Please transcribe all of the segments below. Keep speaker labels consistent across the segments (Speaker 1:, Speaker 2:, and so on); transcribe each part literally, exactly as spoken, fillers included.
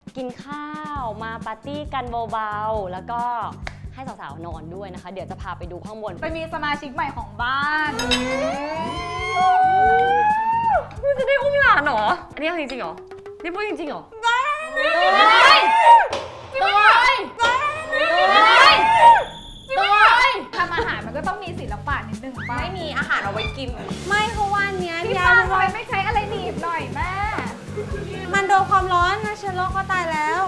Speaker 1: กินข้าวมาปาร์ตี้กันเบาๆแล้วก็ให้สาวๆนอนด้วยนะคะเดี๋ยวจะพาไปดูข้างบน
Speaker 2: ไปมีสมาชิกใหม่ของบ้าน
Speaker 1: นี่จะได้อุ้มหลานเหรออันนี้จริงๆเหรอนี่พูดจริงๆเหรอ
Speaker 2: ได้ทำอาหารมันก็ต้องมีศิลปะนิดนึงป่ะ
Speaker 3: ไม่มีอาหารเอาไว้กิน
Speaker 1: ไม่เพราะว่าเนี้ย
Speaker 2: พี่ฟ้าทำไมไม่ใช้อะไรหนีบหน่อยแม่
Speaker 3: มันโดนความร้อนนะเชื้อโรคก็ตายแล้ว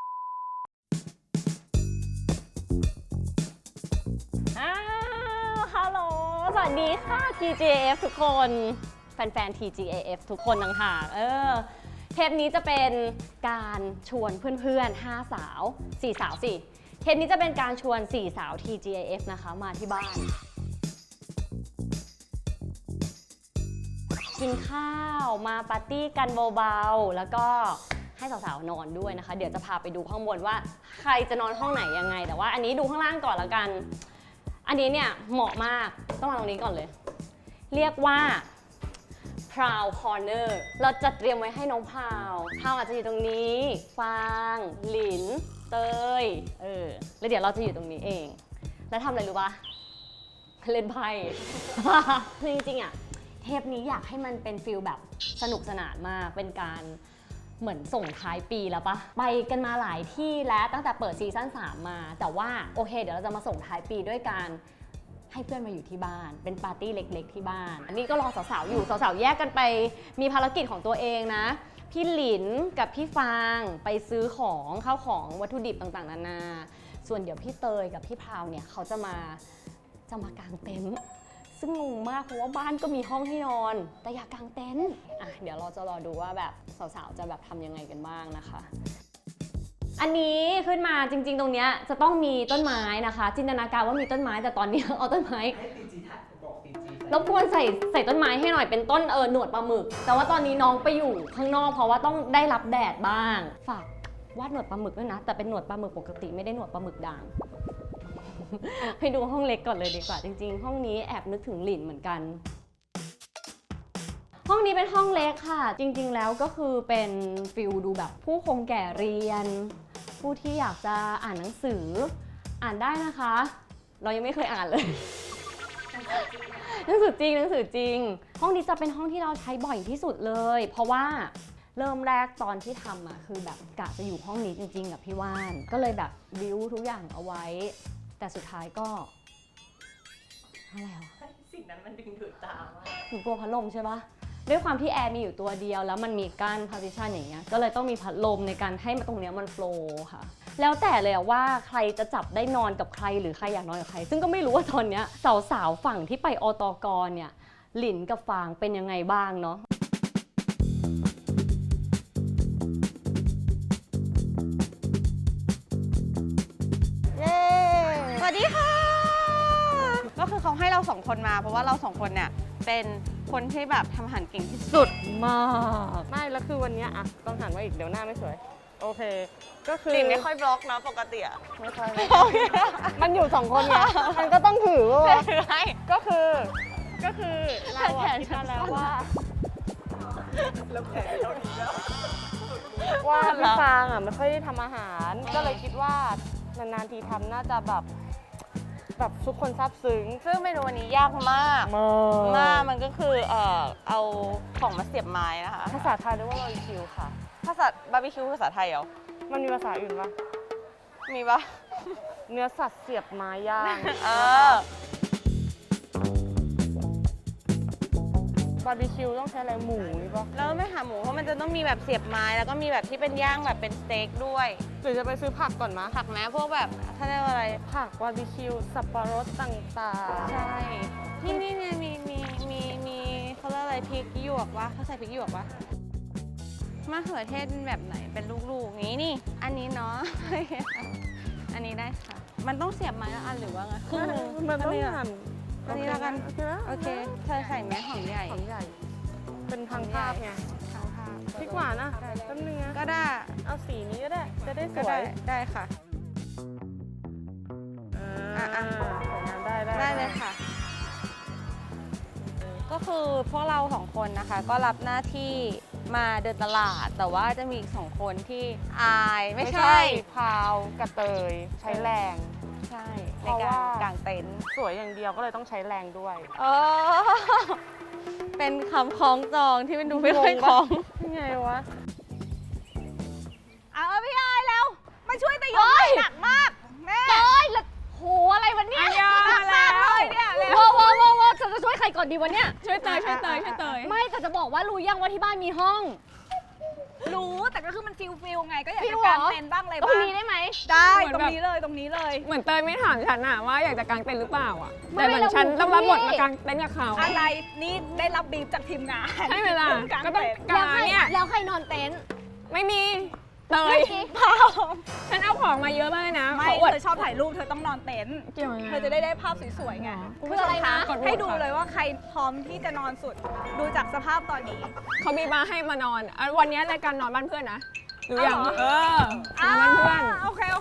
Speaker 1: อ้าวฮัลโหลสวัสดีค่ะ ที จี เอ เอฟ ทุกคนแฟนๆ ที จี เอ เอฟ ทุกคนต่างๆเออเทปนี้จะเป็นการชวนเพื่อนๆห้าสาวสี่สาวสิเทปนี้จะเป็นการชวนสี่สาว ที จี เอ เอฟ นะคะมาที่บ้านกินข้าวมาปาร์ตี้กันเบาๆแล้วก็ให้สาวๆนอนด้วยนะคะเดี๋ยวจะพาไปดูข้างบนว่าใครจะนอนห้องไหนยังไงแต่ว่าอันนี้ดูข้างล่างก่อนละกันอันนี้เนี่ยเหมาะมากต้องมาตรงนี้ก่อนเลยเรียกว่า Proud Corner เราจัดเตรียมไว้ให้น้องพาวพาวอาจจะอยู่ตรงนี้ฟางหลินเตยเออแล้วเดี๋ยวเราจะอยู่ตรงนี้เองแล้วทำอะไรรู้ปะเล่นไพ่ คือจริงๆอ่ะเทปนี้อยากให้มันเป็นฟิลแบบสนุกสนานมากเป็นการเหมือนส่งท้ายปีแล้วปะไปกันมาหลายที่แล้วตั้งแต่เปิดซีซั่นสามมาแต่ว่าโอเคเดี๋ยวเราจะมาส่งท้ายปีด้วยการให้เพื่อนมาอยู่ที่บ้านเป็นปาร์ตี้เล็กๆที่บ้านอันนี้ก็รอสาวๆอยู่สาวๆแยกกันไปมีภารกิจของตัวเองนะพี่หลินกับพี่ฟางไปซื้อของข้าวของวัตถุดิบต่างๆนานาส่วนเดี๋ยวพี่เตยกับพี่พราวเนี่ยเขาจะมาจะมากางเต็นท์ซึ่งงงมากเพราะว่าบ้านก็มีห้องให้นอนแต่อยากกางเต็นท์อ่ะเดี๋ยวเราจะรอดูว่าแบบสาวๆจะแบบทำยังไงกันบ้างนะคะอันนี้ขึ้นมาจริงๆตรงเนี้ยจะต้องมีต้นไม้นะคะจินตนาการว่ามีต้นไม้แต่ตอนนี้เอาต้นไม้รบกวนใส่ใส่ต้นไม้ให้หน่อยเป็นต้นเออหนวดปลาหมึกแต่ว่าตอนนี้น้องไปอยู่ข้างนอกเพราะว่าต้องได้รับแดดบ้างฝากวาดหนวดปลาหมึกด้วยนะแต่เป็นหนวดปลาหมึกปกติไม่ได้หนวดปลาหมึกด่างไปดูห้องเล็กก่อนเลยดีกว่าจริงๆห้องนี้แอบนึกถึงหลินเหมือนกันห้องนี้เป็นห้องเล็กค่ะจริงๆแล้วก็คือเป็นฟิลดูแบบผู้คงแก่เรียนผู้ที่อยากจะอ่านหนังสืออ่านได้นะคะเรายังไม่เคยอ่านเลยหนังสือจริงหนังสือจริงห้องนี้จะเป็นห้องที่เราใช้บ่อยที่สุดเลยเพราะว่าเริ่มแรกตอนที่ทำอะคือแบบกะจะอยู่ห้องนี้จริงๆกับพี่ว่านก็เลยแบบบิวทุกอย่างเอาไว้แต่สุดท้ายก็อะไรวะ
Speaker 3: สิ่งนั้นมันดึงดูดตามาก
Speaker 1: หนูกลัวพัดลมใช่ปะด้วยความที่แอร์มีอยู่ตัวเดียวแล้วมันมีกั้น partition อย่างเงี้ยก็เลยต้องมีพัดลมในการให้ตรงเนี้ยมันโฟลว์ค่ะแล้วแต่เลยว่าใครจะจับได้นอนกับใครหรือใครอยากนอนกับใครซึ่งก็ไม่รู้ว่าตอนเนี้ยสาวๆฝั่งที่ไปอตกเนี่ยหลินกับฟางเป็นยังไงบ้างเนาะ
Speaker 3: สวัสดีค่ะก็คือเขาให้เราสองคนมาเพราะว่าเราสองคนเนี่ยเป็นคนที่แบบทำอาหารเก่งที่สุด
Speaker 1: มากไม่แล้วคือวันนี้อะต้องหันว่าอีกเดี๋ยวหน้าไม่สวยโอเคก็คือ
Speaker 3: หลินไม่ค่อยบล็อกนะปกติอะ
Speaker 1: ไม่ค่อยมันอยู่สองคนไงมันก็ต้องถือว่าก็คือก็คือเราอะคิดมาแล้วว่า
Speaker 3: แล้วแผลเท่านี้แล้ว
Speaker 1: ว่าพี่ฟางอะไม่ค่อยได้ทำอาหารก็เลยคิดว่านานๆทีทำน่าจะแบบแบบทุกคนซาบซึ้ง
Speaker 3: ซึ่งเมนูวันนี้ยากมากมากมันก็คือเอ่อเอาของมาเสียบไม้นะคะ
Speaker 1: ภาษาไทยเรียกว่าบาร์บีคิวค่ะ
Speaker 3: ภาษาบาร์บีคิวภาษาไทยเหรอ
Speaker 1: มันมีภาษาอื่นปะ
Speaker 3: มีปะ
Speaker 1: เนื้อสัตว์เสียบไม้ย่าง
Speaker 3: เออบา
Speaker 1: ร์บีคิวต้องใช้อะไรหมูนี่ปะ
Speaker 3: แล้วไม่หาหมูเพราะมันจะต้องมีแบบเสียบไม้แล้วก็มีแบบที่เป็นย่างแบบเป็นสเต็กด้วย
Speaker 1: หรือจะไปซื้อผักก่อนมะ
Speaker 3: ผักแม้พวกแบบถ้าเรียกว่าอะไร
Speaker 1: ผักบาร์บีคิวสับปะรดต่าง
Speaker 3: ๆใช่ที่นี่เนี่ยมีมีมีมีเขาเรียกอะไรพริกหยวกวะเขาใส่พริกหยวกวะมะเขือเทศแบบไหนเป็นลูกๆนี้นี่อันนี้เนาะอันนี้ได้ค่ะมันต้องเสียบไม้ละอันหรือว่าไง
Speaker 1: ครึ่งนึงมันต้องหั่น
Speaker 3: อันนี้แล้วกันโอเคเธอใส่ไหมหอมใหญ่
Speaker 1: หอมใหญ่เป็นทางภาพไง
Speaker 3: ทางภาพ
Speaker 1: พริกหวานนะต้นเนื้อ
Speaker 3: ก็ได้
Speaker 1: เอาสีนี้ก็ได้จะได้สวย
Speaker 3: ได้ค่ะ
Speaker 1: อ่าอ่าได้ได้
Speaker 3: ได้เลยค่ะก็คือพวกเราสองคนนะคะก็รับหน้าที่มาเดินตลาด แต่ว่าจะมีอีกสองคนที่อายไม่
Speaker 4: ไม่
Speaker 3: ใช่
Speaker 4: ใช่พาวกับเตยใช้แรง
Speaker 3: ใช่
Speaker 4: เพ
Speaker 3: ใน
Speaker 4: ราะ
Speaker 3: การ
Speaker 4: ว่า
Speaker 3: กางเต็นท์
Speaker 4: สวยอย่างเดียวก็เลยต้องใช้แรงด้วย
Speaker 3: เออเป็นคำคล้องจองที่มันดูไม่ค่อยคล้อง
Speaker 4: ยังไงวะ
Speaker 2: เอาเอาพี่อายแล้ว มาช่วยตะยงหนักมาก แม่
Speaker 1: เอ้ยแล้วโหอะไรวันเนี้ย
Speaker 2: หนักมากเลยเนี่ยเร็ว
Speaker 1: ว้าวว้าวว้าวว้าวจะจะช่วยใครก่อนดีวันเนี้ย
Speaker 4: ช่วยเตยช่วยเตยช่วยเตย
Speaker 1: ไม่แต่จะบอกว่ารู้ยังว่าที่บ้านมีห้อง
Speaker 2: รู้แต่ก็คือมันฟิลฟิลไงก็อยาก
Speaker 1: ฟิ
Speaker 2: จะ
Speaker 1: ลเหรอ
Speaker 2: กางเต็นท์บ้างเลย
Speaker 1: ตรง
Speaker 2: บ้าง
Speaker 1: นี้ได้ไหม
Speaker 2: ได้ตรงนี้เลยตรงนี้เลย
Speaker 4: เหมือนเตยไม่ถามฉันอะว่าอยากจะกางเต็นท์หรือเปล่าอะ
Speaker 1: ไม่
Speaker 4: แต่เหมือนฉัน
Speaker 1: เรา
Speaker 4: ต้องรับบท
Speaker 1: พี่
Speaker 4: มากางเต็นท์กับเขา
Speaker 2: อะไรนี่ได้รับบีบจากทีมงาน
Speaker 4: ใช่เวลา
Speaker 2: กาง
Speaker 4: ก็ต้อง
Speaker 2: เต็นท์
Speaker 4: กางเนี่ย
Speaker 1: แล้วใครนอนเต็นท์
Speaker 4: ไม่มีเตย
Speaker 1: ไม่มี
Speaker 4: ฉันเอาของมาเยอะมากเลยนะ
Speaker 2: ไม่
Speaker 4: ขออวด
Speaker 2: เธอชอบถ่ายรูปเธอต้องนอนเต็นท์
Speaker 4: เกี่ยวยังไง
Speaker 2: เธอจะได้ได้ภาพสวยๆไง
Speaker 1: คืออะไรนะ
Speaker 4: กดโหวต
Speaker 2: ให้ดู
Speaker 4: ค่ะ
Speaker 2: เลยว่าใครพร้อมที่จะนอนสุด ดูจากสภาพตอนนี้
Speaker 4: เขามีมาให้มานอนอ่ะวันนี้รายการนอนบ้านเพื่อนนะหรือยัง
Speaker 2: เอาเหรอ
Speaker 4: เออ นอนบ้านเพื่อน
Speaker 2: โอเคโอเค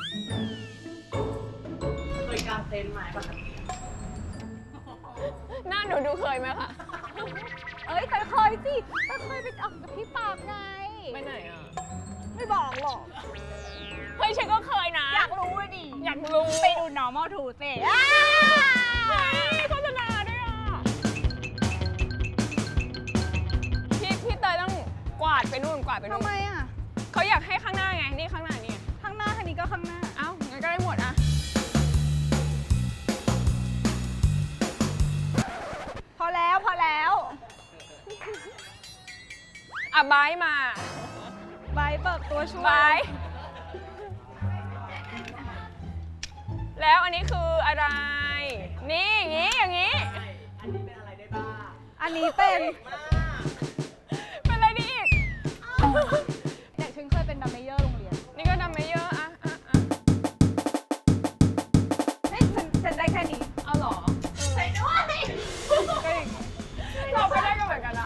Speaker 4: หน้าหนูดูเคยไหมคะ
Speaker 2: เอ้ยแต่เคยสิแต่เคยไปออกกับพี่ปากไง
Speaker 4: ไปไหนอ่ะ
Speaker 2: ไม่บอกหรอก
Speaker 4: เฮ้ยฉันก็เคยนะ
Speaker 2: อยากรู้อะดิ
Speaker 4: อยากรู้
Speaker 2: ไปดู normal to สิ
Speaker 4: เฮ้ยโฆษณาด้วยอ่ะพี่พี่เตยต้องกวาดไปนู่นกวาดไปนู่
Speaker 2: ทำ
Speaker 4: น
Speaker 2: ไมอ่ะ
Speaker 4: เขาอยากให้ข้างหน้าไงนี่ข้างหน้านี่ไง
Speaker 2: ข้างหน้าคันนี้ก็ข้างหน้า
Speaker 4: เอ้างั้นก็ได้หมดอ่ะ
Speaker 2: พอแล้วพอแล้ว
Speaker 4: อ่ะบายมา
Speaker 2: ใบเปิดตัวช่วย
Speaker 4: บาย แล้วอันนี้คืออะไร นี่อย่างนี้อย่างนี้
Speaker 2: อันนี้เป็น
Speaker 4: เป็นอะไรดีอีก
Speaker 2: เด็กฉันเคยเป็นดัมเมเยอร์โรงเรียน
Speaker 4: นี่ก็ดำไม่เยอะอะอะอะ
Speaker 2: เฮ้ยฉันฉันได้แค่นี้
Speaker 4: เอาเหรอ
Speaker 2: ก็อย่างนี้
Speaker 4: เราก็ได้กันเหมือนกันนะ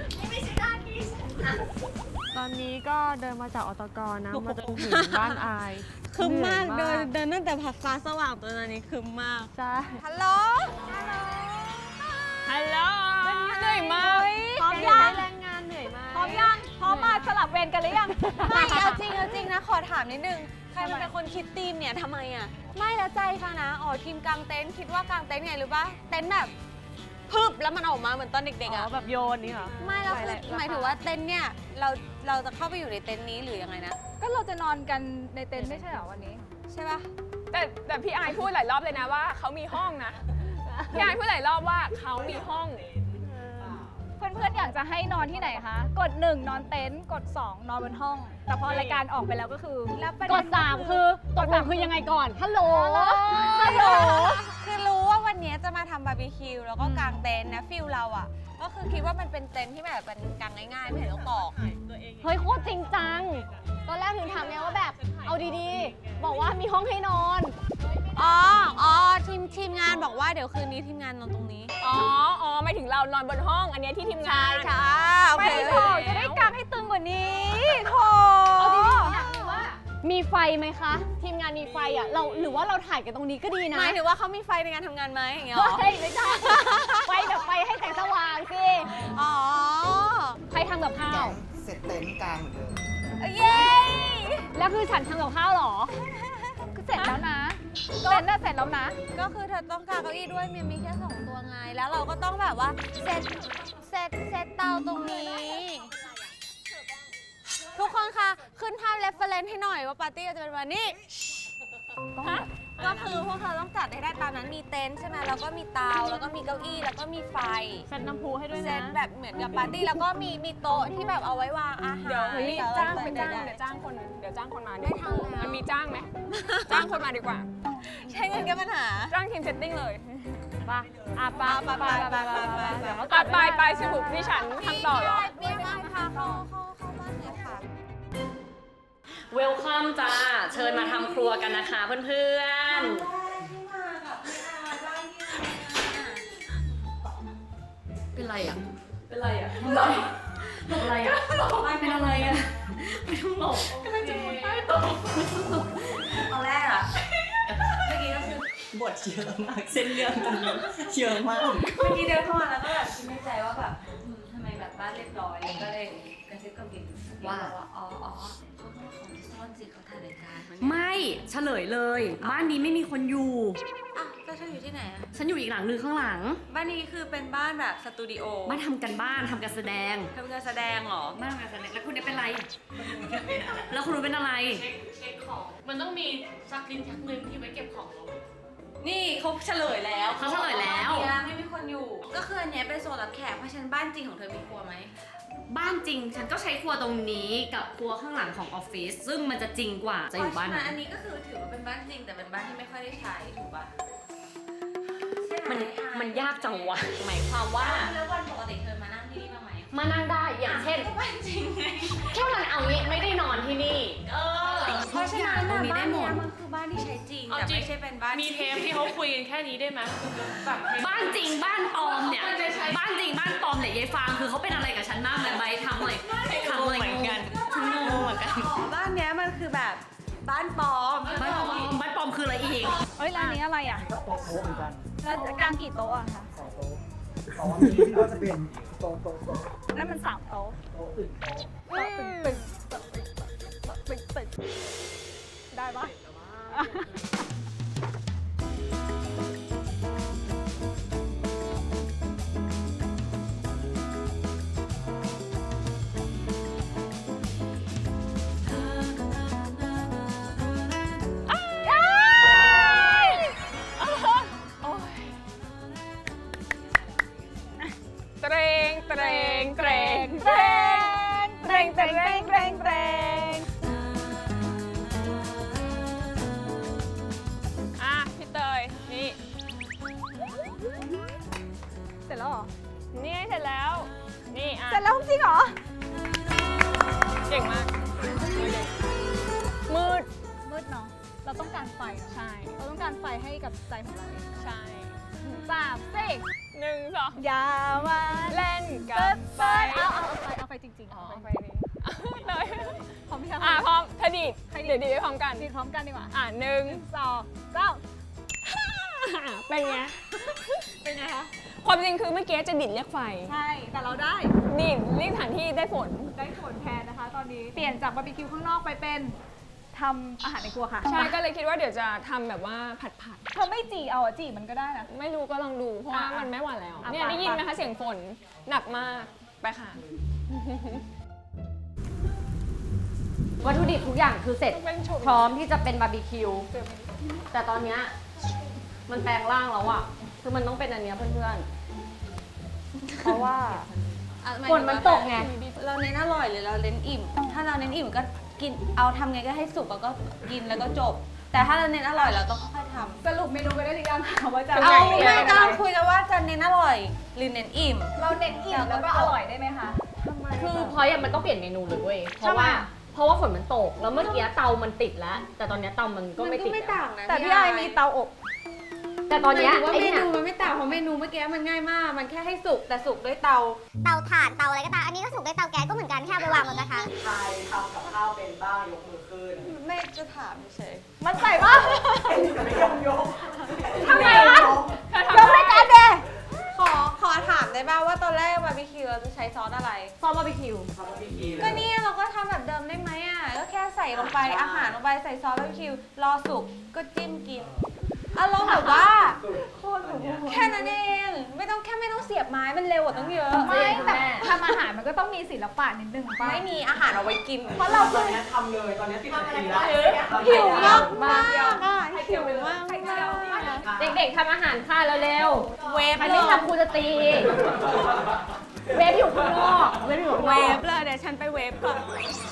Speaker 5: ตอนนี้ก็เดินมาจากอตกนะมาจนถึงบ้านอาย
Speaker 3: คึมมาก
Speaker 5: หนื่
Speaker 3: เดิ
Speaker 5: อย
Speaker 3: นเดินตั้งแต่ผักฟ้าสว่างตัวนี้คึมมาก
Speaker 5: ใช่
Speaker 3: ฮัลโหล
Speaker 4: ฮัลโหลเหนื่อยมาก
Speaker 2: พร้อมยัง
Speaker 5: แรงงานเหนื่อยมาก
Speaker 2: พร้อมยังพร้อมมาสลับเวรกันหรือยัง
Speaker 3: ไม่เอาจริงเอาจริงนะ ขอถามนิดนึง ใครมันเป็นคนคิดธีมเนี่ยทำไมอ่ะ ไม่แล้วใจค่ะนะ อ๋อทีมกางเต็นท์คิดว่ากางเต็นท์ไงรู้ปะเต็นท์แบบพึบแล้วมันออกมาเหมือนตอนเด็กๆ
Speaker 5: อ๋
Speaker 3: อ่ะ
Speaker 5: อแบบโยนนี่เหรอ
Speaker 3: ไม่แล้วคือ
Speaker 5: หลายๆ
Speaker 3: หมายถึงว่าเต็นท์เนี่ยเราเราจะเข้าไปอยู่ในเต็นท์นี้หรือยังไงนะ
Speaker 2: ก็เราจะนอนกันในเต็นท์ไม่ใช่เหรอวันนี้
Speaker 3: ใช่ปะ
Speaker 4: แต่แต่พี่อายพูดหลายรอบเลยนะว่าเขามีห้องนะ พี่อายพูดหลายรอบว่าเขามีห้อง
Speaker 2: เพื่อนๆอยากจะให้นอนที่ไหนคะ กดหนึ่งนอนเต็นท์กดสองนอนบนห้อง แต่พอรายการออกไปแล้วก็คือแล้วประ
Speaker 1: ก
Speaker 2: เด็
Speaker 1: ด
Speaker 2: น
Speaker 1: สามคือตกลงคือยังไงก่อน ฮัลโหล
Speaker 2: ฮัลโหล
Speaker 3: คือรู้ว่าวันนี้จะมาทำบาร์บีคิวแล้วก็กางเต็นท์นะฟิลเราอ่ะ ก็คือคิดว่ามันเป็นเต็นท์ที่แบบเป็นกางง่ายๆไม่เห็นต้องตอก
Speaker 1: เฮ้ยโคตรจริงจัง ตอนแรกถึงถามเนี่ยว่าแบบ เอาดีๆ บอกว่ามีห้องให้นอน
Speaker 3: อ๋ออ๋อทีมทีมงานบอกว่าเดี๋ยวคืนนี้ทีมงานนอนตรงนี้
Speaker 4: อ๋อ อ๋อไม่ถึงเรานอนบนห้อง อันเนี้ยที่ทีมงาน
Speaker 3: ใช่โอเค
Speaker 2: ไม่โถจะได้กางให้ตึงกว่านี้โถ
Speaker 1: เอาจริงๆอยากรู้ว่า มีไฟไหมคะ ทีมงานมีไฟอ่ะ เราหรือว่าเราถ่ายกันตรงนี้ก็ดีนะ
Speaker 3: หมายถึงว่าเขามีไฟในการทำงานไหมอย่างเงี้ยเหรอ
Speaker 1: เฮ้ยไม่ใช่ ไฟแบบไฟให้แสงสว่างสิ
Speaker 3: อ๋อ
Speaker 1: ใครทำกับข้าว
Speaker 6: เสร็จเต็นท์กลางเหมือนเดิม
Speaker 3: เย้
Speaker 1: แล้วคือฉันทำกับข้าวเหรอ
Speaker 2: คือเสร็จแล้วนะเต็นท์น่ะเสร็จแล้วนะ
Speaker 3: ก็คือเธอต้องการเก้าอี้ด้วยมันมีแค่สองตัวไง แล้วเราก็ต้องแบบว่าเซตเซตเซตเตาตรงนี้ ทุกคนคะขึ้นภาพเรฟเฟรนซ์ให้หน่อยว่าปาร์ตี้จะเป็นวันนี้ ก็คือพวกเธอต้องจัดให้ได้ตามนั้นมีเต็นท์ใช่ไหมแล้วก็มีเตาแล้วก็มีเก้าอี้แล้วก็มีไฟ
Speaker 5: เซ็ตน้ำพุให้ด้วย
Speaker 3: เซ
Speaker 5: นะ
Speaker 3: ตแบบเหมือนกับปาร์ตี้แล้วก็มีมีโต๊ะที่แบบเอาไว้วางอาหาร
Speaker 4: เดี๋ยว
Speaker 3: แล้ว
Speaker 4: จ้าง
Speaker 3: ก็
Speaker 4: ไปจ้าง
Speaker 3: ได้
Speaker 4: เดี๋ยวจ้างคน เดี๋ยวจ้างคนมา
Speaker 3: ไม่ทำแล้ว
Speaker 4: มันมีจ้างไหม จ้างคนมาดีกว่า
Speaker 3: ใช้เงินแก้ปัญหา
Speaker 4: จ้างทีมเซตติ้งเลย
Speaker 5: ปะอ่ะปะ
Speaker 3: ไปไปไปไปไป
Speaker 5: เดี๋ยวเขา
Speaker 4: ตัดไปไปสรุปที่ฉันทำต่อเหรอ
Speaker 3: พี่ไม้พาเข้าเข้าเข้าบ้านเลยค่ะ
Speaker 1: เวลคัมจ้า เชิญมาทำครัวกันนะคะเพื่อนๆ เป็นไรอ่ะ เป็นไรอ่ะหลบหลบอะไรอ่ะไม่เป็นอะไรอ่ะ ไม่ต้องหลบกำลังจะมุดใต้โต๊ะ
Speaker 7: ตอนแรกอะเมื่อกี้ก็คือบทเยอะมากเส้นเรื่องตรงนี้เยอะมาก เมื่อกี้เดินเข้ามาแล้วก็แบบคิดในใจว่าแบบอืมทำไมแบบบ้านเรียบร้อยแล้วก็เลยเป็นระซิบกับกิน
Speaker 8: ว่า
Speaker 7: อ๋ออ๋อเขาต้องมาของที่ซ่อนสิเขาถ่ายรายการ
Speaker 8: ไม่เฉลยเลย บ้านนี้ไม่มีคนอยู่
Speaker 7: อ่ะแล้วเธออยู่ที่ไหนอะ
Speaker 8: ฉันอยู่อีกหลังนึงข้างหลัง
Speaker 7: บ้านนี้คือเป็นบ้านแบบสตูดิโอ
Speaker 8: บ้านทำกันบ้านทำการแสดง
Speaker 7: ทำการแสดงเหรอ
Speaker 8: บ้านทำการแสดงแล้วคุณเนี่ยเป็นไร แล้วคุณรู้เป็นอะไร
Speaker 5: มันต้องมีซักลิ้นชักมือที่ไว้เก็บของเรา
Speaker 7: นี่เขาเฉลยแล้ว
Speaker 8: เขาเฉลยแล้ว
Speaker 7: บ้านเนี้ยไม่มีคนอยู่ ก็คืออันเนี้ยเป็นโซนรับแขกเพราะฉะนันบ้านจริงของเธอมีครัวไหม
Speaker 8: บ้านจริงฉันก็ใช้ครัวตรงนี้กับครัวข้างหลังของออฟฟิศซึ่งมันจะจริงกว่าจะอยู่บ้าน
Speaker 7: เพ
Speaker 8: ไหน
Speaker 7: ระฉะอันนี้ก็คือถือว่าเป็นบ้านจริงแต่เป็นบ้านที่ไม่ค่อยได้ใช้ถูกปะใช่ไห
Speaker 1: มันมันยากจังวะหมายความว่า
Speaker 7: แล้ววันปกติเธอมานั่งที่นี่บ้างไหม
Speaker 1: มานั่งได้อย่างเช่น
Speaker 7: ก็บ้านจริงไง
Speaker 1: แค่มันเอางี้ไม่ได้นอนที่นี่
Speaker 7: เออเพราะฉะนั้น
Speaker 8: ตรงนี้
Speaker 7: บ้า
Speaker 8: ได้
Speaker 7: น
Speaker 8: หม
Speaker 7: เนี้
Speaker 8: ด
Speaker 7: ยมันคือบ้านที่ใช้จริง
Speaker 5: เอา
Speaker 7: แต่
Speaker 5: จริง
Speaker 7: ไม่ใช่เป็นบ้าน
Speaker 5: มีเทปที่เขาคุยกันแค่นี้ได้ไหมแบบเทป
Speaker 8: บ้านจริงบ้านปลอมเนี่ย บ้านจริงบ้านปลอมเนี่ยยายฟางคือเขาเป็นอะไรกับฉันบ้างเลยใบทำเลยทำเลยเหมือนกันฉันงงเหมือนกัน
Speaker 7: อ๋อบ้านเนี้ยมันคือแบบบ้านปลอม
Speaker 8: บ้านปลอมบ้านปลอมคืออะไรอีก
Speaker 2: เฮ้ยร้านนี้อะไรอ่ะ
Speaker 6: โต๊ะโต๊ะเหมือนกัน
Speaker 2: แล้วจะกางกี่โต๊ะอะคะ
Speaker 6: สองโต๊ะสองอันนี้ก็จะเป็นโต๊ะโต๊ะโต๊ะ
Speaker 2: นั่นมันสามโต๊ะ
Speaker 6: โต๊ะอื่นโต๊ะ
Speaker 2: โต๊ะตึงตึงโต๊ะตึงโต๊ะตึงตึงได้ปะ
Speaker 4: เตรงเตรงเตรงเตรงเตรงเตรงเตรงเตรงเตรงอ่ะพี่เตยนี่
Speaker 2: เสร็จแล้วเหรอ
Speaker 4: นี่เสร็จแล้ว นี่อ่ะ
Speaker 2: เสร็จแล้วจริงเหรอ
Speaker 4: เก่งมาก มืด
Speaker 2: มืดเนาะ เราต้องการไฟเนอะ
Speaker 4: ใช่
Speaker 2: เราต้องการไฟให้กับใจของเราเอง
Speaker 4: ใช่
Speaker 2: สามสี่
Speaker 4: หนึ่งสอง
Speaker 2: อย่ามา
Speaker 4: เล่นกั
Speaker 2: เปิ
Speaker 4: บ
Speaker 2: ด
Speaker 4: ไฟ
Speaker 2: เปิดเอาเอาเอาไฟเอาไฟจริงๆ
Speaker 4: อ๋อ
Speaker 2: เอาไฟ
Speaker 4: ไฟนี้เลย
Speaker 2: พร้อมพี่ครับ
Speaker 4: อ่ะพร้อมเธอดีดเดี๋ยวดีดไปพร้อมกัน
Speaker 2: ดีพร้อมกันดีกว่า
Speaker 4: อ่ะหนึ่ง
Speaker 2: สองสาม
Speaker 4: เป็นไง
Speaker 2: เป็นไงคะ
Speaker 4: ความจริงคือเมื่อกี้จะดิดเรียกไฟ
Speaker 2: ใช่ แต่เราได้
Speaker 4: ดิดเรียกสถานที่ได้ฝน
Speaker 2: ได้ผลแทนนะคะ ตอนนี้ เปลี่ยนจากบาร์บีคิวข้างนอกไปเป็นทำอาหารในครัวค่ะ
Speaker 4: ใช่ ก็เลยคิดว่าเดี๋ยวจะทำแบบว่าผัดผัด
Speaker 2: เธอไม่จีเอาอะจีมันก็ได้นะ
Speaker 4: ๆไม่รู้ก็ลองดู เพราะว่า
Speaker 2: อ่ะ
Speaker 4: มันไม่หวานแล้ว
Speaker 2: อ่ะ
Speaker 4: เนี่ย
Speaker 2: ไป
Speaker 4: ได้ยินไหม
Speaker 2: ไป
Speaker 4: คะเสียงฝนหนักมาก ไปค่ะ
Speaker 1: วัตถุดิบทุกอย่างคือเสร็จ
Speaker 4: เป็นโฉม
Speaker 1: พร้อมที่จะเป็นบาร์บีคิว แต่ตอนเนี้ยมันแปลงร่างแล้วอะคือมันต้องเป็นอันเนี้ยเพื่อนๆ เพราะว่า ฝนมันตกไง
Speaker 7: เราเน้นอร่อยหรือเราเน้นอิ่ม ถ้าเราเน้นอิ่มก็กิน เอาทำไงก็ให้สุกแล้วก็กินแล้วก็จบ แต่ถ้าเราเน้นอร่อยเราต้องค่อยๆทำ
Speaker 2: สรุปเมนูไปได้หรือยังคะว่าจะ
Speaker 7: เอา
Speaker 2: เมนู
Speaker 7: ไม่
Speaker 2: อะไร
Speaker 7: กำลังคุยกันว่าจะเน้นอร่อย หรือเน้นอิ่ม
Speaker 2: เราเน้นอิ่มแล้วก็อร่อยได้ไหมคะ
Speaker 1: คือพอยอะมันต้องเปลี่ยนเมนูเลยเว้ย เพราะ
Speaker 7: ทำไม
Speaker 1: ว่า
Speaker 7: อะ
Speaker 1: เพราะว่าฝนมันตก แล้วเมื่อกี้เตามันติดแล้ว แต่ตอนเนี้ยเตามันก็ไม่ติดแล้ว
Speaker 7: นะ
Speaker 2: แต่พี่ไอมีเตาอบ
Speaker 1: แต่ตอนเนี้ย
Speaker 7: ว่า
Speaker 1: ไอ้
Speaker 7: เม
Speaker 1: เนี่ย
Speaker 7: นูมันไม่ต่างเพราะเมนูเมื่อกี้มันง่ายมาก มันแค่ให้สุกแต่สุกด้วยเตา
Speaker 9: เตาถ่านเตาอะไรก็ตาม อันนี้ก็สุกด้วยเตาแก๊สก็เหมือนกันแค่เอาไปวางบนกระทะ
Speaker 6: ใครทำกับข้าวเป็นบ้างยกมือขึ้น
Speaker 7: ไม่จะถามเฉย
Speaker 2: มันใส่ปะ
Speaker 6: ไม่ยกยก
Speaker 2: ทำไมวะ
Speaker 4: เธอทำ
Speaker 2: ยกรายการเด
Speaker 7: ขอขอถามได้ป่าวว่าตอนแรกบาร์บีคิวเราจะใช้ซอสอะไร
Speaker 1: ซอสบาร์บีคิว
Speaker 6: ทำบาร์บีคิว
Speaker 7: ก็เนี่ยเราก็ทำแบบเดิมได้ไหมอ่ะ ก็แค่ใส่ลงไปอาหารลงไปใส่ซอสบาร์บีคิว รอสุกก็จิ้มกินอารมณ์แบบว่า แค่นั้นเอง ไม่ต้องแค่ไม่ต้องเสียบไม้มันเร็วกว่าต้องเยอะ
Speaker 2: ไม่แต่ทำอาหารมันก็ต้องมีศิลปะนิดนึงป่ะ
Speaker 7: ไม่มีอาหารเอาไว้กิน
Speaker 2: เพราะเรา
Speaker 6: ต
Speaker 2: คื
Speaker 6: อน
Speaker 2: อ
Speaker 6: นี้ทำเลยตอนนี้สิบนาทีแล้ว
Speaker 7: หิวมากมากอ่ะหิวมาก
Speaker 1: เด็กๆทำอาหารค่ะเร็ว
Speaker 7: เวฟ
Speaker 1: ๆใคร
Speaker 7: เล
Speaker 1: ไม่
Speaker 7: ย
Speaker 1: ทำครูจะตี เวฟอยู่ข้างนอก เวฟอยู่ข้าง
Speaker 7: เวน
Speaker 1: อก
Speaker 7: ฟเลยเดี๋ยวฉันไปเวฟก่อน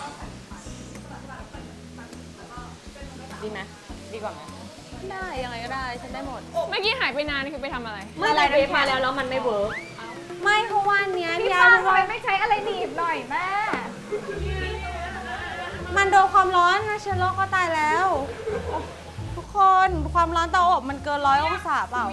Speaker 1: ดีไหมดีกว่าไหม
Speaker 7: ได้ยังไงก็ได้ฉันได้หมด
Speaker 4: เมื่อกี้หายไปนานคือไปทำอะไร
Speaker 1: เมื่อไรเวฟมาแล้วแล้วมันไม่เวิร์ก
Speaker 7: ไม่เพราะว่าอันเนี้ย
Speaker 2: พี่
Speaker 7: ยา
Speaker 2: ฟาง
Speaker 7: เพ
Speaker 2: ทำ
Speaker 7: ราะ
Speaker 2: ไม
Speaker 7: ว่า
Speaker 2: ไม่ใช้อะไรหนีบหน่อยแม่
Speaker 7: มันโดนความร้อนนะเชื้อโรคก็ตายแล้ว ทุกคนความร้อนเตาอบมันเกินร้อยองศาเปล่า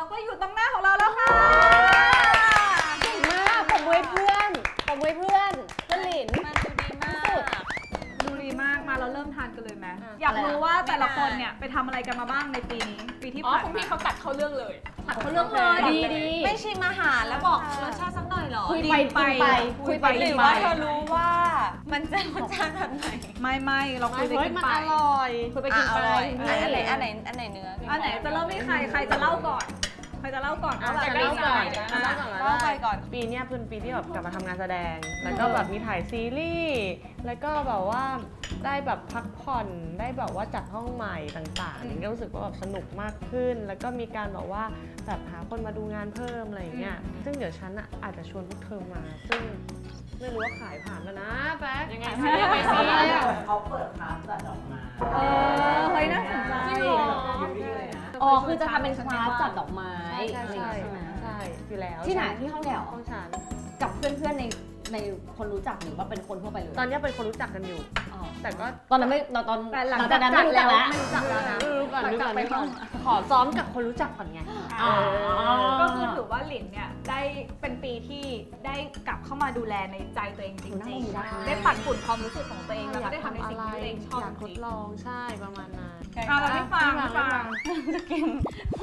Speaker 2: เราก็อยู่ตรงหน้าของเราแล้วค่ะ
Speaker 1: เก่งมากผมไว้เพื่อนผมไว้เพื่อนเพื่อนหลิน
Speaker 7: มันดูดีมาก
Speaker 2: ดูดีมากมาเราเริ่มทานกันเลยไหมอยากรู้ว่าแต่ละคนเนี่ยไปทำอะไรกันมาบ้างในปีนี้ปีที่
Speaker 4: อ๋อ
Speaker 2: ผ่าน
Speaker 4: คุณ
Speaker 2: มา
Speaker 4: พี่เขาตัดเข้าเรื่องเลย
Speaker 2: ตัดเขาเลือกเลย
Speaker 1: ดีดี
Speaker 7: ไม่ชิมอาหารแล้วบอกรสชาติสักหน่อยเหรอ
Speaker 1: คุยไปกินไปคุยไป
Speaker 7: ห
Speaker 1: กิ
Speaker 7: รื
Speaker 1: น
Speaker 7: อ
Speaker 1: ไป
Speaker 7: ว่าเธอรู้ว่ามันจะรสชาติแบบไหน
Speaker 2: ไม่ไม่เราคุยไป
Speaker 1: เฮ้ย
Speaker 2: กิน
Speaker 1: มัน
Speaker 2: ไป
Speaker 1: อร่อยคุยไปกิน
Speaker 7: อ่ะ
Speaker 1: ไป
Speaker 7: อร่อยอันไหนอันไหนอันไหนเนื้อ
Speaker 2: อันไหนจะเริ่มที่ใครใครจะเล่าก่อนใครจะเล่าก่อนว่าแบบ
Speaker 4: จะเล่าก่อน
Speaker 2: อ่ะ
Speaker 7: เล่าไปก่อน
Speaker 5: ปีเนี้ยเป็นปีที่แบบกลับมาทำงานแสดง แล้วก็แบบมีถ่ายซีรีส์ แล้วก็แบบว่าได้แบบพักผ่อน ได้แบบว่าจัดห้องใหม่ต่างๆนี่ก็รู้สึกว่าแบบสนุกมากขึ้น แล้วก็มีการแบบว่าแบบหาคนมาดูงานเพิ่มอะไรอย่างเงี้ย ซึ่งเดี๋ยวฉันอ่ะอาจจะชวนพวกเธอมา ซึ่งไม่รู้ว่าขายผ่านแล้วนะแป๊ก
Speaker 4: ยังไงซิยังไงซิ
Speaker 1: อะไรอ่ะ
Speaker 6: เขาเปิดคลาสจัดดอกไม้
Speaker 2: เออเฮ้ยน่าสนใจ
Speaker 4: จริงเหรอ
Speaker 6: อยู่นี่เลยนะ
Speaker 1: อ๋อคือจะทำเป็นคลาสจัดดอกไม้
Speaker 5: ใช่ใช่
Speaker 1: อะไรอย่างเงี้ยใช่ไหม
Speaker 5: ใช่อยู่แล้ว
Speaker 1: ที่ไหนที่ห้องแถว
Speaker 5: ห้องฉัน
Speaker 1: กับเพื่อนๆในในคนรู้จักหรือว่าเป็นคนทั่วไปเลย
Speaker 5: ตอนเนี้ยเป็นคนรู้จักกันอยู่
Speaker 1: อ๋อ
Speaker 5: แต่ก็
Speaker 1: ตอนนั้นไม่ตอนตอน
Speaker 2: แต่หลัง
Speaker 1: จากนั้นไม่รู้จักแล้ว
Speaker 2: ไม่รู้จักแล้วนะ
Speaker 5: รู้ก่อน
Speaker 2: หลัง
Speaker 5: รู้
Speaker 2: จาก
Speaker 5: ก่อน
Speaker 2: ไป
Speaker 5: รู้
Speaker 2: ห้
Speaker 5: ก่
Speaker 2: อ
Speaker 5: อง นขอซ้อมกับคนรู้จักก่อนไง
Speaker 1: อ๋อ
Speaker 2: ก็คือถือว่าหลินเนี่ยได้เป็นปีที่ได้กลับเข้ามาดูแลในใจตัวเองจริง
Speaker 1: นั่งอยู่ได้
Speaker 2: ๆ ได้ปัดฝุ่นความรู้สึกของตัวเองแล้วก็ได้ทำในสิ่งที่ตัวเองชอบ
Speaker 5: อยาก
Speaker 2: จ
Speaker 5: ท
Speaker 2: ริ
Speaker 5: ด
Speaker 2: ง
Speaker 5: ลองใช่ประมาณนั้น
Speaker 2: ๆอ่ะเราไม่ฟังไม่ฟัง
Speaker 7: จะกิน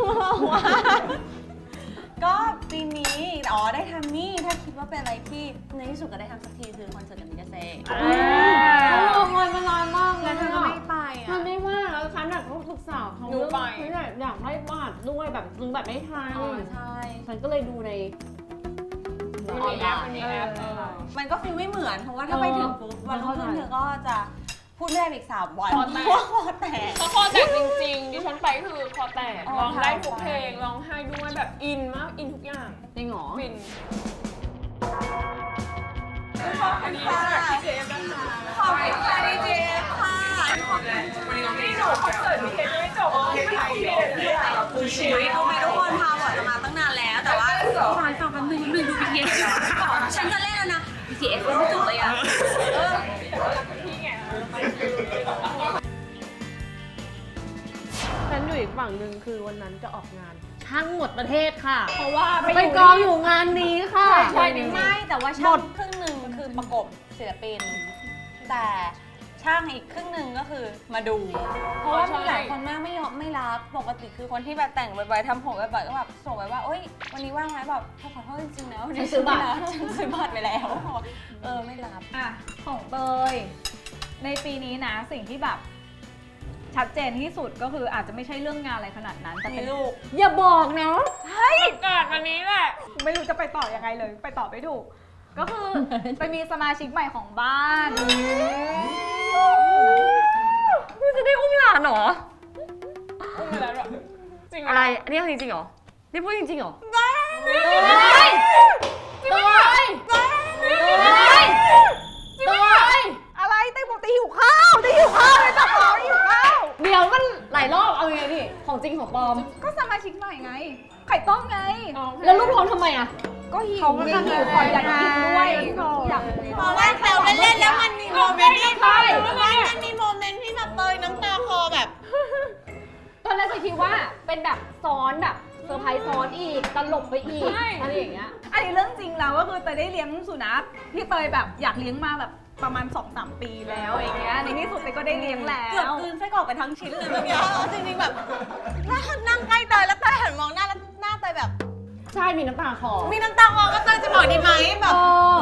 Speaker 7: ก็ปีนี้อ๋อได้ทำนี่ถ้าคิดว่าเป็นอะไรที่ในที่สุดก็ได้ทำสักทีคือคอนเสิร์ตกับมิกาเซ่
Speaker 1: รอคอยมานานมากเล
Speaker 7: แล้
Speaker 1: ยว
Speaker 7: เธอก็ไม่ไป
Speaker 1: มั
Speaker 7: อ่ะ
Speaker 1: นไม่ว่างแล้วฉันแบบต้องศึกษาเขา
Speaker 4: หนูไป
Speaker 1: ฉันอยากได้บัตรด้วยแบบซื้อแบบไม่ทัน
Speaker 7: อ๋อใช่
Speaker 1: ฉันก็เลยดูใน
Speaker 4: มันมีแอปมันมีแอปเออ
Speaker 7: มันก็ฟีลไม่เหมือนเพราะว่าถ้าไปถึงปุ๊บวันรุ่งขึ้นเธอก็จะพูดไม่ได้อีกสามวัน
Speaker 4: คอแตก
Speaker 7: เพราะว่าคอแตก
Speaker 4: เขาคอแตกจริงๆดิฉันไปคือคอแตก
Speaker 7: อ๋อ
Speaker 4: ร้องได้
Speaker 7: ค่ะ
Speaker 4: ทุกเพลงร้องไห้ด้วยแบบอินมากอินทุกอย่าง
Speaker 1: จริงเหรอ
Speaker 4: ฟิน
Speaker 7: ขอบคุณค่ะ
Speaker 4: พี่เจฟนะคะ
Speaker 7: ขอบคุณค่ะดีเจค่ะ
Speaker 4: พี่หนูคอนเสิร์ตพี่เจฟยังไม่จบพี่ไม่ถ่ายพี่เลยนะ
Speaker 7: คือชีวิตรู้ไหมทุกคนพาหวานจะมาตั้งนานแล้ว แต่ว่าฟังฟังกันหนึ่งหนึ่งดู บี ที เอส ฉันจะเล่นแล้วนะ บี ที เอส ไม่จบเลยอ่ะ
Speaker 4: พี่ไง
Speaker 5: ฉันอยู่อีกฝั่งหนึ่งคือวันนั้นจะออกงานทั้งหมดประเทศค่ะ
Speaker 1: เพราะว่า
Speaker 5: ไปกองอยู่งานนี้ค่ะ
Speaker 1: ใช่จริง
Speaker 7: ไม่แต่ว่าช่างครึ่งหนึ่งคือประกบศิลปิน แต่ช่างอีกครึ่งหนึ่งก็คือมาดู เพราะว่ามีหลายคนมากไม่ยอมไม่รับปกติคือคนที่แบบแต่งบ่อยๆทำผมบ่อยๆก็แบบส่งไปว่าโอ๊ยวันนี้ว่างไหมแบบขอโทษจริงๆนะวันนี้ฉันไม่รับฉันซื้อบัตรไปแล้วเออไม่รับ
Speaker 2: อ่ะของเตยในปีนี้นะสิ่งที่แบบชัดเจนที่สุดก็คืออาจจะไม่ใช่เรื่องงานอะไรขนาดนั้น แต่
Speaker 7: มี
Speaker 2: เป็น
Speaker 7: ลูก
Speaker 1: อย่าบอกนะ
Speaker 4: เกิดวันนี้แหละ
Speaker 2: ไม่รู้จะไปต่อยังไงเลย ไปต่อไม่ถูก ก็คือ ไปมีสมาชิกใหม่ของบ้าน
Speaker 5: นี่จะได้อุ้มหลานเหรอ
Speaker 4: อุ้มไปแล้วเหรอจริงเหร
Speaker 5: อะไรอันนี้จริงๆเหรอ นี่พูดจริงๆเหรอ
Speaker 1: เฮ้ยเฮ้ยเฮ้ยเฮ้ย
Speaker 2: อะไรเต้บอกตีหิวข้าวตีหิวข้าวเลยจับของหิวข้าว
Speaker 1: เดี๋ยวมันหลายรอบเอาไงดิของจริงของปลอม
Speaker 2: ก็สมาชิกใหม่ไง ไข่ต้มไง
Speaker 1: แล้วรูปท้องทำไมอ่ะ
Speaker 2: ก็หิวไงหิวก่อนอยากกินด้วยอยาก
Speaker 7: เพราะว่าแซวเล่นๆแล้วมันมีโมเมนต์ที่ไม่มันมีโมเมนต์ที่แบบเตยน้ำตาคอแบบ
Speaker 1: ตอนแรกจะคิดว่าเป็นแบบซ้อนแบบเซอร์ไพรส์ซ้อนอีกตลกไปอีกอะไรอย่างเงี้ย
Speaker 2: อันนี้เรื่องจริงแล้วก็คือเตยได้เลี้ยงสุนัขที่เตยแบบอยากเลี้ยงมาแบบประมาณ สองสาม ปีแล้วอย่างเงี้ยในที่สุดเตยก็ได้เลี้ยงแล้
Speaker 7: เกือบ
Speaker 2: ว
Speaker 7: กลืนไส้กรอกไปทั้งชิ้นเลยเมื่อกี้จริงๆแบบถ้านั่งใกล้เตยแล้วเตยหันมองหน้าแล้วหน้าเตยแบบ
Speaker 1: ใช่มีน้ำตาคลอ
Speaker 7: มีน้ำตาคลอก็เตยจะบอกดีไหมแบบ
Speaker 1: เออ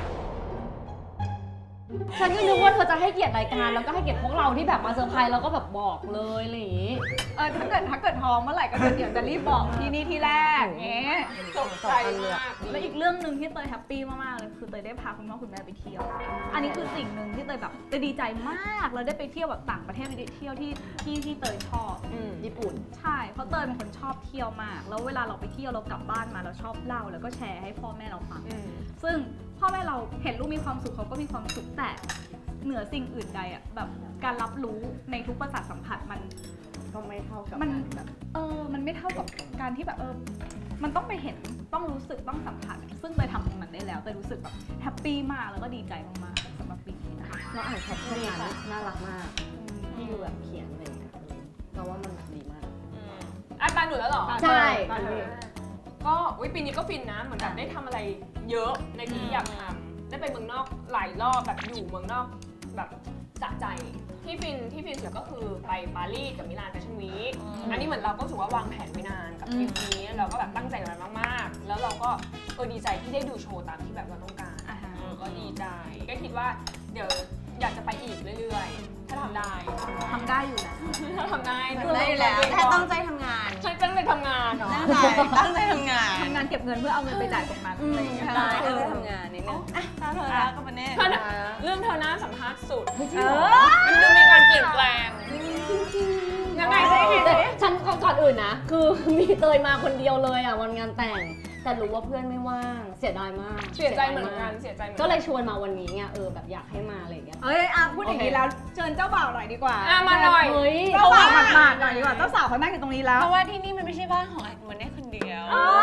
Speaker 1: ฉันก็นึกว่าเธอจะให้เกียรติรายการแล้วก็ให้เกียรติพวกเราที่แบบมาเซอร์ไพรส์แล้วก็แบบบอกเลยอะไรอย่างงี้
Speaker 2: เออถ้าเกิดถ้าเกิดท้องเมื่อไหร่ก็เดี๋ยวจะรีบบอกที่นี่ที่แรกเงี้ย
Speaker 4: ตกใจมาก
Speaker 2: แล้วอีกเรื่องหนึ่งที่เตยแฮปปี้มากๆเลยคือเตยได้พาคุณพ่อคุณแม่ไปเที่ยว อันนี้คือสิ่งหนึ่งที่เตยแบบเตยดีใจมากแล้วได้ไปเที่ยวแบบต่างประเทศไปเที่ยวที่ที่ที่เตยชอบ
Speaker 1: อืมญี่ปุ่น
Speaker 2: ใช่เพราะเตยเป็นคนชอบเที่ยวมาก แล้วเวลาเราไปเที่ยวเรากลับบ้านมาเราชอบเล่าแล้วก็แชร์ให้พ่อแม่เราฟัง
Speaker 4: อืม
Speaker 2: ซึ่งพ่อแม่เราเห็นลูกมีความสุขเขาก็มีความสุขแต่เหนือสิ่งอื่นใดอะแบบการรับรู้ในทุกประสาทสัมผัสมัน
Speaker 1: ก็ไม่เท่ากับ
Speaker 2: มันเออมันไม่เท่ากับการที่แบบเออมันต้องไปเห็นต้องรู้สึกต้องสัมผัส ซึ่งเตยทำตรงนั้นได้แล้วเตยรู้สึกแบบแฮปปี้มากแล้วก็ดีใจมากๆสำหรับปีนี้นะคะ
Speaker 1: เราอ่านแคปชั่นนั้นน่ารักมากที่ดูแบบเขียนอะไรอย่างเงี้ยเราว่ามันดีมาก
Speaker 4: อืมอ่ะอ่ะตาหนูแล้วเหรอ
Speaker 1: ใช่
Speaker 4: ก็อุ๊ยปีนี้ก็ฟินนะเหมือนแบบได้ทำอะไรเยอะในสิ่งที่อยากทำได้ไปเมืองนอกหลายรอบแบบอยู่เมืองนอกแบบสะใจที่ฟินที่ฟินสุดก็คือไปปารีสกับมิลานแฟชั่นวีคอันนี้เหมือนเราก็รู้สึกว่าวางแผนไว้นานกับทริปนี้เราก็แบบตั้งใจกับมันมากๆ แล้วเราก็เออดีใจที่ได้ดูโชว์ตามที่แบบเราต้องการเออก็ดีใจก็คิดว่าเดี๋ยวอยากจะไปอีกเรื่อยๆ ถ้าทำได้
Speaker 2: ทำได้อยู่นะ
Speaker 4: ถ้าทำได้
Speaker 7: ได้อยู่แล้วแค่ตั้งใจทำงาน
Speaker 4: ใช่ตั้งใจทำงานเนาะ
Speaker 7: ตั้งใจตั้งใจทำงาน
Speaker 2: ทำงานเก็บเงินเพื่อเอาเงินไปจ่ายตรงนั้นอะไรอย่างเงี้ย
Speaker 7: ใช่ตั้งใจทำงานนิดนึงอ่ะตาเธอแล้วก็มาเน่
Speaker 4: เธอน่ะเรื่องเธอหน้าสัมภาษณ์สุด
Speaker 2: เออ
Speaker 4: มันดูมีการเปลี่ยนแปลงยังไงสิ
Speaker 1: ฉันก่อนอื่นนะ คือมีเตยมาคนเดียวเลยอ่ะวันงานแต่ง แต่รู้ว่าเพื่อนไม่ว่าง เสียดายมาก
Speaker 4: เสียใจเหมือนกันเสียใจเหมือน
Speaker 1: ก็เลยชวนมาวันนี้ไงเออแบบอยากให้มาอะไรอย่างเงี้ย
Speaker 2: เอ้ยอ่ะพูดอย่างนี้แล้วเชิญเจ้าบ่าวหน่อยดีกว่า
Speaker 4: อ่ะมาหน่อย
Speaker 1: เฮ้ย
Speaker 2: เจ้าบ่าวหมาดๆหน่อยดีกว่า เจ้าสาวเขานั่งอยู่ตรงนี้แล้ว
Speaker 7: เพราะว่าที่นี่มันไม่ใช่บ้านของไอ้มันได้คนเดียว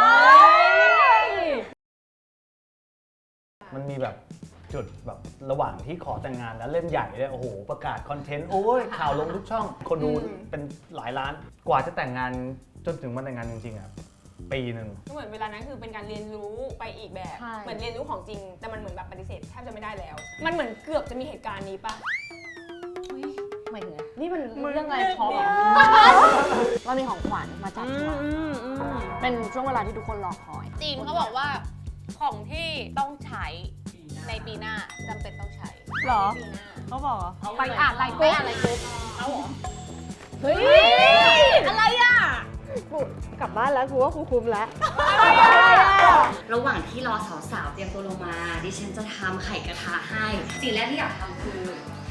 Speaker 10: มันมีแบบจุดแบบระหว่างที่ขอแต่งงานแล้วเล่นใหญ่เลยโอ้โหประกาศคอนเทนต์โอ้ยข่าวลงทุกช่อง คนดูเป็นหลายล้านกว่าจะแต่งงานจนถึงวันแต่งงานจริงๆอ่ะปีหนึ่ง
Speaker 4: ก็เหมือนเวลานั้นคือเป็นการเรียนรู้ไปอีกแบบ
Speaker 1: ใช่
Speaker 4: เหมือนเรียนรู้ของจริง แต่มันเหมือนแบบปฏิเสธแทบจะไม่ได้แล้ว มันเหมือนเกือบจะมีเหตุการณ์นี้ปะ
Speaker 1: หมายถึงอะไรนี่มันเรื่องอะไรช็อปเหรอเรามีของขวัญมาจับฉลากเป็นช่วงเวลาที่ทุกคนรอคอย
Speaker 7: จีนเขาบอกว่าของที่ต้องใช้ในปีหน้าจำเป็นต้องใช้
Speaker 2: หรอ
Speaker 7: ปีหน้า
Speaker 2: เขาบอกเหรอ
Speaker 7: เขา
Speaker 2: ไปอ่านไลน์
Speaker 7: ไป
Speaker 2: กรุ๊ป
Speaker 7: อ่านไลน์กรุ๊ป
Speaker 4: เอาเหรอ
Speaker 1: เฮ้ย
Speaker 2: อะไรอ่ะ
Speaker 5: กลับบ้านแล้วกูว่ากูคุ้มแล้ว
Speaker 8: ระหว่างที่รอสาวๆเตรียมตัวลงมา ดิฉันจะทำไข่กระทะให้ สิ่งแรกที่อยากทำคือ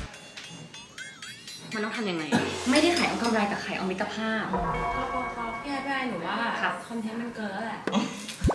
Speaker 8: มันต้องทำยังไง ไม่ได้ไข่เอากำไรแต่ไข่เอามิตรภาพ
Speaker 7: พี่ไอ้พี่ไอ้หนูว่า
Speaker 8: ครับ
Speaker 7: คอนเทนต์มันเกินแล้วแหละ